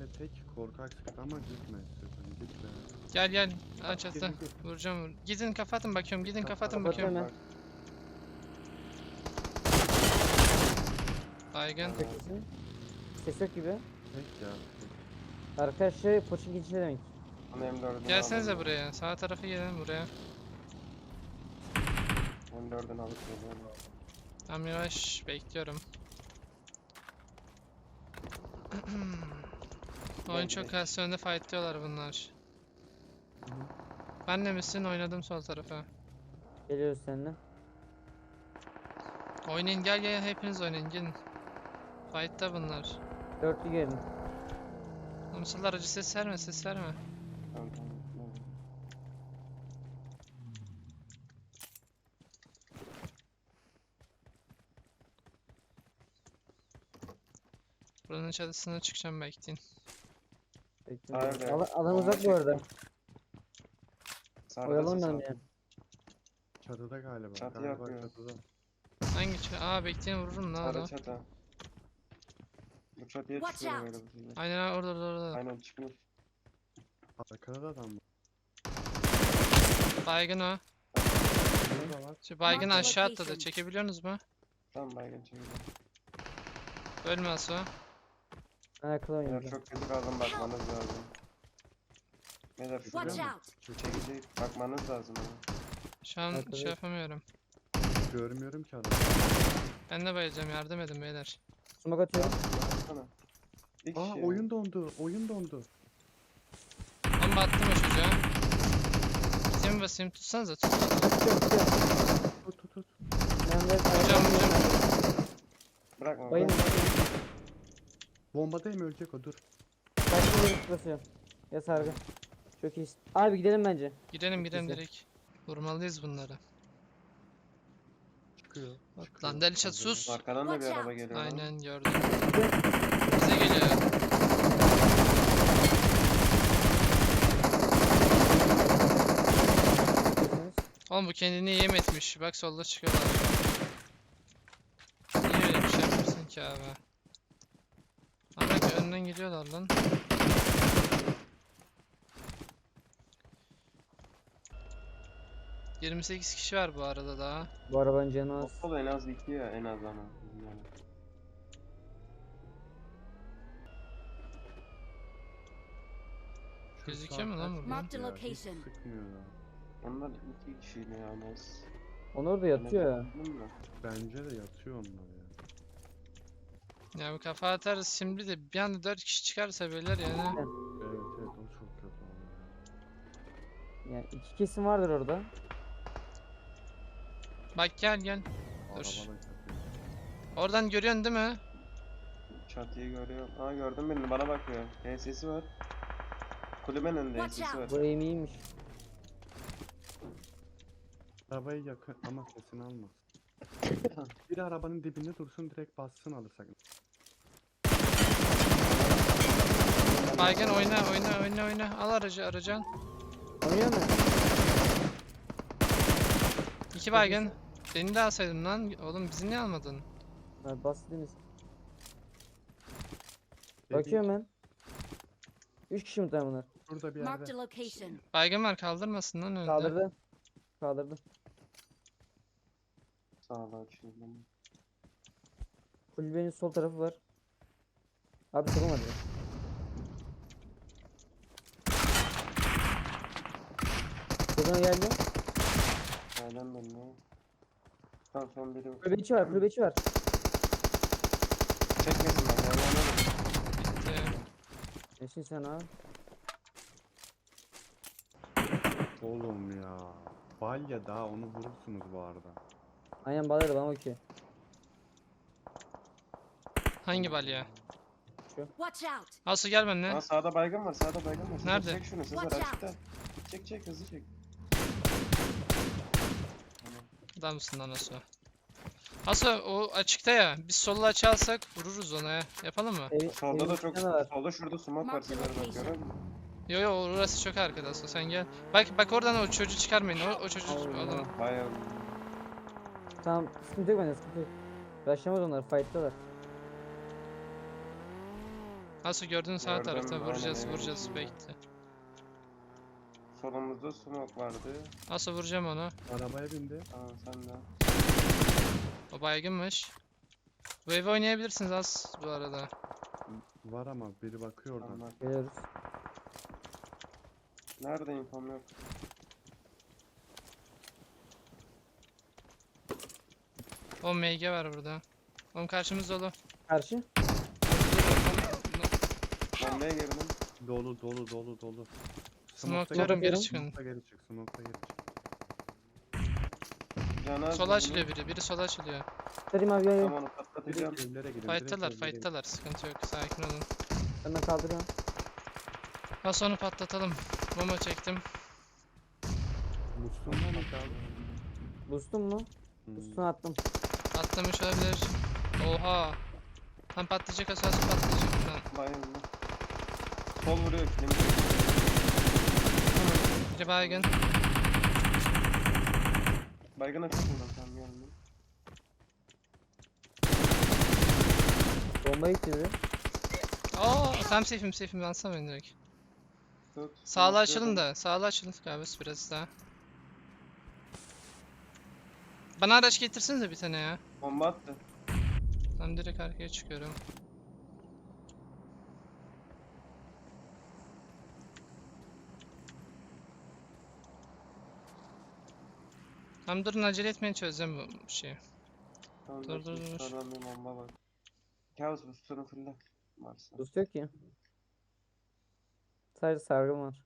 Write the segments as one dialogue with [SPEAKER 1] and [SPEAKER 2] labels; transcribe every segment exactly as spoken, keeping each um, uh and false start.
[SPEAKER 1] tek korkak sıktı ama gitme istiyorsan gitme.
[SPEAKER 2] Gel gel. Aç
[SPEAKER 1] Gel,
[SPEAKER 2] atla.
[SPEAKER 1] gel, gel.
[SPEAKER 2] Vuracağım. vur- Gidin kafa atın bakıyorum. Gidin kafa atın
[SPEAKER 1] Kapat
[SPEAKER 2] bakıyorum.
[SPEAKER 3] hemen.
[SPEAKER 2] Baygın.
[SPEAKER 3] Tek misin? Ses yok gibi.
[SPEAKER 1] Tek ya.
[SPEAKER 3] Arkadaşlar poçin geçişi demek.
[SPEAKER 4] Ama M dördünü
[SPEAKER 2] Gelsenize
[SPEAKER 4] aldım.
[SPEAKER 2] buraya. Sağ tarafa gelin buraya.
[SPEAKER 4] M dördünü alıp geliyorum.
[SPEAKER 2] Tam yavaş bekliyorum. Oyun çok
[SPEAKER 4] Bekle.
[SPEAKER 2] az önde fightlıyorlar bunlar. Ben de misin? Oynadım sol tarafa.
[SPEAKER 3] Geliyoruz seninle.
[SPEAKER 2] Oynayın gel gel hepiniz oynayın gelin. Fight'ta bunlar.
[SPEAKER 3] Dörtlü gelin.
[SPEAKER 2] Mısırlar acı ses verme ses verme.
[SPEAKER 4] Tamam tamam. tamam.
[SPEAKER 2] Buranın çatısına çıkacağım bekleyin.
[SPEAKER 3] Bekliyorum.
[SPEAKER 4] Hayır,
[SPEAKER 3] Alan, alan
[SPEAKER 4] bomba
[SPEAKER 3] uzak bu arada.
[SPEAKER 4] Sarıda
[SPEAKER 3] Oyalanmayalım
[SPEAKER 4] ses
[SPEAKER 3] yani.
[SPEAKER 1] Çatıda galiba.
[SPEAKER 4] Çatı
[SPEAKER 1] galiba
[SPEAKER 4] yapıyor.
[SPEAKER 1] çatıda.
[SPEAKER 2] Hangi çatı? Aa bekleyin vururum lan
[SPEAKER 4] Sarı
[SPEAKER 2] onu.
[SPEAKER 4] çatı. Bu çatıya
[SPEAKER 5] Watch
[SPEAKER 4] çıkıyorum
[SPEAKER 5] out.
[SPEAKER 4] öyle bir şeyler.
[SPEAKER 2] Aynen ha, orada orada orada.
[SPEAKER 4] Aynen çıkmış.
[SPEAKER 1] Arkada da adam var.
[SPEAKER 2] Baygın o.
[SPEAKER 1] Burada var.
[SPEAKER 2] Şu baygın
[SPEAKER 5] Marked
[SPEAKER 2] aşağı atladı.
[SPEAKER 5] location.
[SPEAKER 2] Çekebiliyorsunuz mu?
[SPEAKER 4] Tamam baygın çekiyorum.
[SPEAKER 2] Ölmez o.
[SPEAKER 3] Ayakla
[SPEAKER 4] Beyler
[SPEAKER 3] oynuyor.
[SPEAKER 4] çok kötü kaldım bakmanız lazım. Beyler
[SPEAKER 5] Watch
[SPEAKER 4] şuraya
[SPEAKER 5] out.
[SPEAKER 4] şu çekecek bakmanız lazım ama.
[SPEAKER 2] Şu an
[SPEAKER 3] Arkada
[SPEAKER 2] şey
[SPEAKER 3] yok.
[SPEAKER 2] yapamıyorum.
[SPEAKER 1] Görmüyorum ki adamı.
[SPEAKER 2] Ben de bayılacağım yardım edin beyler.
[SPEAKER 3] Sumak atıyorum.
[SPEAKER 4] Baksana. Bir
[SPEAKER 1] Aa
[SPEAKER 4] kişi.
[SPEAKER 1] oyun dondu. Oyun dondu.
[SPEAKER 2] Bomba attım o çocuğa. Kitimi basayım tutsanıza tut.
[SPEAKER 3] Tutuyorum tutuyorum.
[SPEAKER 1] Tut tut tut.
[SPEAKER 3] Ben de
[SPEAKER 2] Hocam hocam.
[SPEAKER 4] Bırakma.
[SPEAKER 3] Bayın.
[SPEAKER 4] bırakma.
[SPEAKER 1] Bombadayım ölecek o dur.
[SPEAKER 3] Kaçtı yeri basıyorum. Ya sargı. Çok iyi. Abi gidelim bence.
[SPEAKER 2] Gidelim gidelim
[SPEAKER 3] güzel.
[SPEAKER 2] direkt. Vurmalıyız bunları.
[SPEAKER 1] Çıkıyor.
[SPEAKER 2] Bak
[SPEAKER 1] çıkıyor.
[SPEAKER 2] lan Delişat sus.
[SPEAKER 4] Arkadan da bir
[SPEAKER 5] Watch
[SPEAKER 4] araba
[SPEAKER 5] out.
[SPEAKER 4] geliyor. lan.
[SPEAKER 2] Aynen gördüm. Bize geliyor. Oğlum bu kendini yem etmiş. Bak solda çıkıyorlar. Niye öyle bir şey yapıyorsun ki abi? Ama ki önden gidiyorlar lan. yirmi sekiz kişi var bu arada daha.
[SPEAKER 3] Bu arabanın canı az.
[SPEAKER 4] Okul en az iki ya en az ama. Yani.
[SPEAKER 1] Şu
[SPEAKER 2] Gözüküyor mu
[SPEAKER 1] sağ
[SPEAKER 2] lan
[SPEAKER 1] kaç
[SPEAKER 2] buradan?
[SPEAKER 5] Marked a
[SPEAKER 1] ya, hiç
[SPEAKER 5] location.
[SPEAKER 1] Sıkmıyor ya.
[SPEAKER 4] Onlar iki kişiydi ya en az.
[SPEAKER 3] Onlar da yatıyor ya.
[SPEAKER 4] Anladın mı?
[SPEAKER 1] Bence de yatıyor onlar ya.
[SPEAKER 2] Ya bu kafa atarız şimdi de bir anda dört kişi çıkarsa beyler yani.
[SPEAKER 1] Evet evet o çok kötü oldu ya.
[SPEAKER 3] Yani iki kesim vardır orada.
[SPEAKER 2] Bak gel gel.
[SPEAKER 1] Araba
[SPEAKER 2] Dur.
[SPEAKER 1] da kötü.
[SPEAKER 2] Oradan görüyorsun değil mi?
[SPEAKER 4] Çatıyı görüyorum. Aa gördüm birini bana bakıyor. H S'si var. Kulübenin önünde H
[SPEAKER 5] Watch
[SPEAKER 4] S'si var.
[SPEAKER 3] Bu aim iyiymiş.
[SPEAKER 1] Arabayı yakın ama sesini almaz. Bir arabanın dibinde dursun direkt bassın alırsak.
[SPEAKER 2] Baygın oyna oyna oyna oyna. Al aracı aracan.
[SPEAKER 3] Oynuyor mu?
[SPEAKER 2] İki baygın. Beni de alsaydın lan. Oğlum bizi niye almadın?
[SPEAKER 3] Ha, bastınız.
[SPEAKER 1] Dedik,
[SPEAKER 3] Bakıyorum ben. Üç kişi mi tam bunlar?
[SPEAKER 1] Şurada bir
[SPEAKER 5] Marked
[SPEAKER 1] yerde.
[SPEAKER 5] a location.
[SPEAKER 2] Baygın var kaldırmasın lan önünde.
[SPEAKER 3] Kaldırdı. Kaldırdı.
[SPEAKER 4] Sağ ol açıyorum.
[SPEAKER 3] Kulübenin sol tarafı var. Abi sorun var ya. Buradan geldi.
[SPEAKER 4] Nereden dönüyor? Tamam son biri.
[SPEAKER 3] Kulübe içi var, kulübe içi var.
[SPEAKER 4] Çekmesin ben ya anladım.
[SPEAKER 2] Bitti.
[SPEAKER 3] Nesin sen abi?
[SPEAKER 1] Oğlum ya. Balya daha onu vurursunuz bu arada.
[SPEAKER 3] Aynen bağladı bana okey.
[SPEAKER 2] Hangi balya?
[SPEAKER 5] Watch out.
[SPEAKER 2] Asu gel benimle.
[SPEAKER 4] Aa sağda baygın var sağda baygın var. Sezer,
[SPEAKER 2] Nerede?
[SPEAKER 4] Çek şunu Sezer
[SPEAKER 5] Watch out.
[SPEAKER 4] açıkta. Çek çek hızlı çek.
[SPEAKER 2] Adamsın lan Asu. Asu o açıkta ya. Biz sollu açı alsak vururuz ona ya. Yapalım mı?
[SPEAKER 3] Ev,
[SPEAKER 4] Solda
[SPEAKER 3] evin
[SPEAKER 4] da çok
[SPEAKER 3] içinde var.
[SPEAKER 4] solda şurada smoke var
[SPEAKER 5] Mark the
[SPEAKER 4] Sezer bak
[SPEAKER 5] location.
[SPEAKER 4] görüyor musun?
[SPEAKER 2] Yo yo orası çok arkada Asu sen gel. Bak bak oradan o çocuğu çıkarmayın. O, o çocuğu
[SPEAKER 3] Allah.
[SPEAKER 2] oğlum.
[SPEAKER 4] Bayağı
[SPEAKER 3] Tamam, sıkıntı yok bende, sıkıntı yok. Başlamaz onlar, fight'talar.
[SPEAKER 2] Nasıl gördün sağ
[SPEAKER 4] Gördüm,
[SPEAKER 2] tarafta
[SPEAKER 4] aynen,
[SPEAKER 2] vuracağız
[SPEAKER 4] aynen
[SPEAKER 2] vuracağız
[SPEAKER 4] içinde.
[SPEAKER 2] bekle.
[SPEAKER 4] Solumuzda smoke vardı.
[SPEAKER 2] Nasıl vuracağım onu?
[SPEAKER 1] Arabaya bindi.
[SPEAKER 4] Tamam sen de.
[SPEAKER 2] O baygınmış. Bu evi oynayabilirsiniz az bu arada.
[SPEAKER 1] Var ama biri bakıyor oradan.
[SPEAKER 4] Tamam.
[SPEAKER 3] Geliyoruz.
[SPEAKER 4] Nerede infom yok.
[SPEAKER 2] O M G var burada. Oğlum karşımız dolu.
[SPEAKER 3] Karşı.
[SPEAKER 4] Bombaya girdim.
[SPEAKER 1] Dolu dolu dolu dolu.
[SPEAKER 2] Smoke
[SPEAKER 1] Smoke'ta
[SPEAKER 2] diyorum,
[SPEAKER 3] geri
[SPEAKER 1] geri
[SPEAKER 2] çıkın.
[SPEAKER 1] Smoke'ta geri çık. Smoke'ta geri çık.
[SPEAKER 4] Canaz
[SPEAKER 2] Sola
[SPEAKER 4] birini.
[SPEAKER 2] açılıyor biri. Biri sola açılıyor.
[SPEAKER 3] Dedim abi gel gel.
[SPEAKER 4] Tamam onu patlatacağım.
[SPEAKER 1] Direkt evlere girin. direkt
[SPEAKER 2] Fight'talar
[SPEAKER 1] evlere girin.
[SPEAKER 2] fight'talar. Sıkıntı yok. Sakin olun.
[SPEAKER 3] Ben de kaldırıyorum.
[SPEAKER 2] Nasıl onu patlatalım. Bomba çektim.
[SPEAKER 1] Musluğundan mı kaldı?
[SPEAKER 3] Boost'un mu?
[SPEAKER 1] Hmm.
[SPEAKER 3] Boost'unu attım.
[SPEAKER 2] Atlamış olabilir. Oha. Tam patlayacak asası patlayacak lan.
[SPEAKER 4] Bayıldı. Sol vuruyor kilimi.
[SPEAKER 2] Biri baygın.
[SPEAKER 4] Baygın açık buradan tam geldim.
[SPEAKER 3] Bomba gitti biri.
[SPEAKER 2] Oo, tam safe'im safe'im lansam ben direkt.
[SPEAKER 4] Tut.
[SPEAKER 2] Sağlı
[SPEAKER 4] smoke
[SPEAKER 2] açılın
[SPEAKER 4] diyorum.
[SPEAKER 2] da. Sağlı açılın galiba biraz daha. Bana araç getirsinize bir tane ya.
[SPEAKER 4] Bomba attı.
[SPEAKER 2] Ben direkt arkaya çıkıyorum. Tamam durun acele etmeyin çözeceğim bu şeyi.
[SPEAKER 4] Tamam,
[SPEAKER 2] Dur, dur, dur.
[SPEAKER 4] Sonradan bir bomba var. Kaos bu sorun fırla. Varsa.
[SPEAKER 3] Boost yok ki. Sadece sargım var.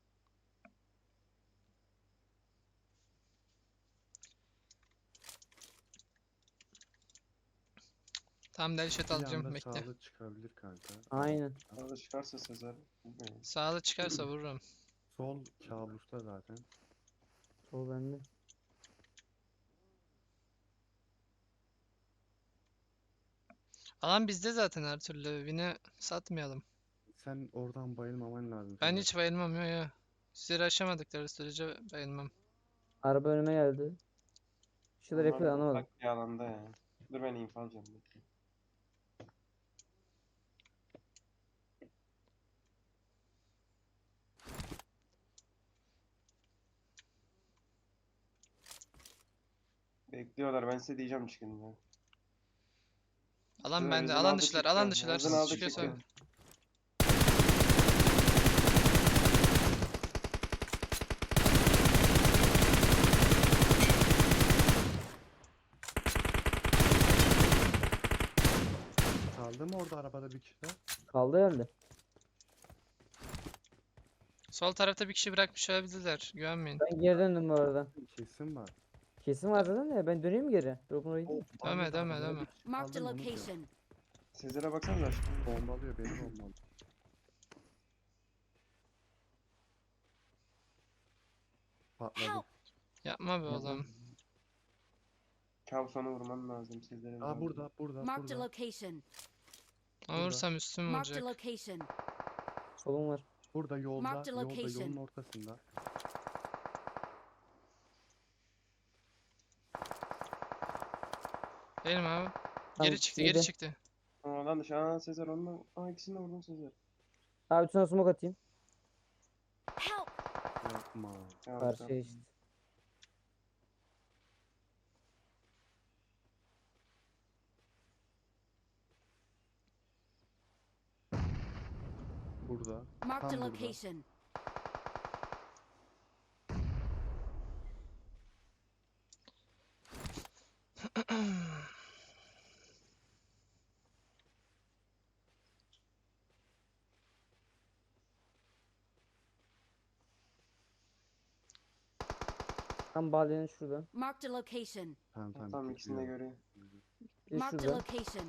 [SPEAKER 2] Tamam delşet
[SPEAKER 1] Bir
[SPEAKER 2] alacağım
[SPEAKER 1] anda
[SPEAKER 2] bekle.
[SPEAKER 1] sağlık çıkabilir kanka.
[SPEAKER 3] Aynen.
[SPEAKER 4] Arada çıkarsa Sezer. bilmiyorum.
[SPEAKER 2] Sağlı çıkarsa vururum.
[SPEAKER 1] Sol kabusta zaten.
[SPEAKER 3] Sol bende.
[SPEAKER 2] Alan bizde zaten her türlü. Win'i satmayalım.
[SPEAKER 1] Sen oradan bayılmaman lazım.
[SPEAKER 2] Ben
[SPEAKER 1] Sezer.
[SPEAKER 2] hiç bayılmam ya ya. Sizleri aşamadıkları sürece bayılmam.
[SPEAKER 3] Araba önüme geldi. Bir şeyler
[SPEAKER 4] Onlar
[SPEAKER 3] yapıyor anlamadım.
[SPEAKER 4] ufak bir alanda ya. Dur ben info alacağım. bekle. Bekliyorlar ben size diyeceğim çıkın ya.
[SPEAKER 2] Alan
[SPEAKER 4] Dur,
[SPEAKER 2] bende.
[SPEAKER 4] hızını
[SPEAKER 2] Alan
[SPEAKER 4] aldı
[SPEAKER 2] dışılar.
[SPEAKER 4] çıktı.
[SPEAKER 2] Alan dışılar.
[SPEAKER 4] Hızını
[SPEAKER 2] Siz
[SPEAKER 4] aldı
[SPEAKER 2] çıkıyorsa.
[SPEAKER 4] çıktı.
[SPEAKER 1] Kaldı mı orada arabada bir kişi?
[SPEAKER 3] Kaldı herhalde.
[SPEAKER 2] Sol tarafta bir kişi bırakmış olabilirler. Güvenmeyin.
[SPEAKER 3] Ben geri döndüm bu arada.
[SPEAKER 1] Kesin var.
[SPEAKER 3] Kesin var zaten de ben döneyim geri. Drop'un oraya gideyim.
[SPEAKER 1] O
[SPEAKER 2] Dönme,
[SPEAKER 1] arada
[SPEAKER 2] dönme,
[SPEAKER 1] arabada
[SPEAKER 2] dönme.
[SPEAKER 1] bir kişi
[SPEAKER 5] Marked a
[SPEAKER 1] kaldı mı onu diyor.
[SPEAKER 5] location.
[SPEAKER 4] Sezer'e baksanıza aşkım.
[SPEAKER 1] Bombalıyor beni bombalıyor. Patladı.
[SPEAKER 5] Help!
[SPEAKER 2] Yapma be oğlum.
[SPEAKER 4] Kaos onu vurman lazım Sezer'e.
[SPEAKER 1] Aa burada burada
[SPEAKER 5] Marked a
[SPEAKER 1] burada.
[SPEAKER 5] location.
[SPEAKER 2] Ama vursam üstüm
[SPEAKER 5] Marked a
[SPEAKER 2] olacak.
[SPEAKER 5] location.
[SPEAKER 3] Solum var.
[SPEAKER 1] Burada yolda
[SPEAKER 5] Marked a
[SPEAKER 1] yolda
[SPEAKER 5] location.
[SPEAKER 1] yolun ortasında.
[SPEAKER 2] Benim abi.
[SPEAKER 3] Tamam,
[SPEAKER 2] Geri çıktı, geri
[SPEAKER 3] yedi.
[SPEAKER 2] çıktı.
[SPEAKER 4] Oradan dışı. Aa Sezer onunla. Aa ikisini de vurdun Sezer.
[SPEAKER 3] Abi üstüne smoke atayım.
[SPEAKER 5] Help!
[SPEAKER 1] Yapma.
[SPEAKER 4] Kaos
[SPEAKER 3] Karşıya
[SPEAKER 4] yaptı.
[SPEAKER 3] işte.
[SPEAKER 1] Burada.
[SPEAKER 5] Marked a
[SPEAKER 1] Tam burada.
[SPEAKER 5] location.
[SPEAKER 3] Tam balyanın şurada.
[SPEAKER 5] Marked a location.
[SPEAKER 1] Tamam tamam.
[SPEAKER 4] Tam ikisini de
[SPEAKER 1] gidiyor.
[SPEAKER 4] görüyor.
[SPEAKER 3] Bir de
[SPEAKER 5] Marked a
[SPEAKER 3] şurada.
[SPEAKER 5] location.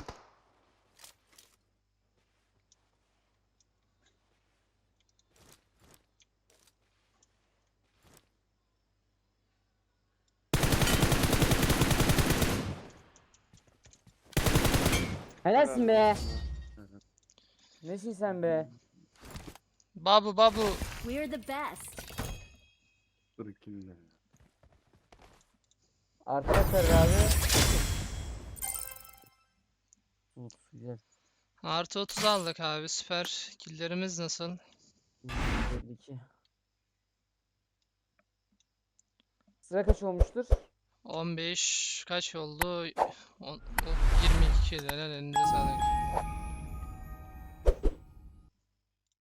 [SPEAKER 3] Helalsin be.
[SPEAKER 4] Helal.
[SPEAKER 3] Nesin sen be?
[SPEAKER 2] Babu babu.
[SPEAKER 5] We're the best.
[SPEAKER 1] Dur ikili.
[SPEAKER 3] Arkadaşlar abi. Of, güzel.
[SPEAKER 2] Artı otuz aldık abi, süper. Killlerimiz nasıl?
[SPEAKER 3] elli iki. Sıra kaç olmuştur?
[SPEAKER 2] on beş kaç oldu? On, o- yirmi iki. Helal, elinize sağlık.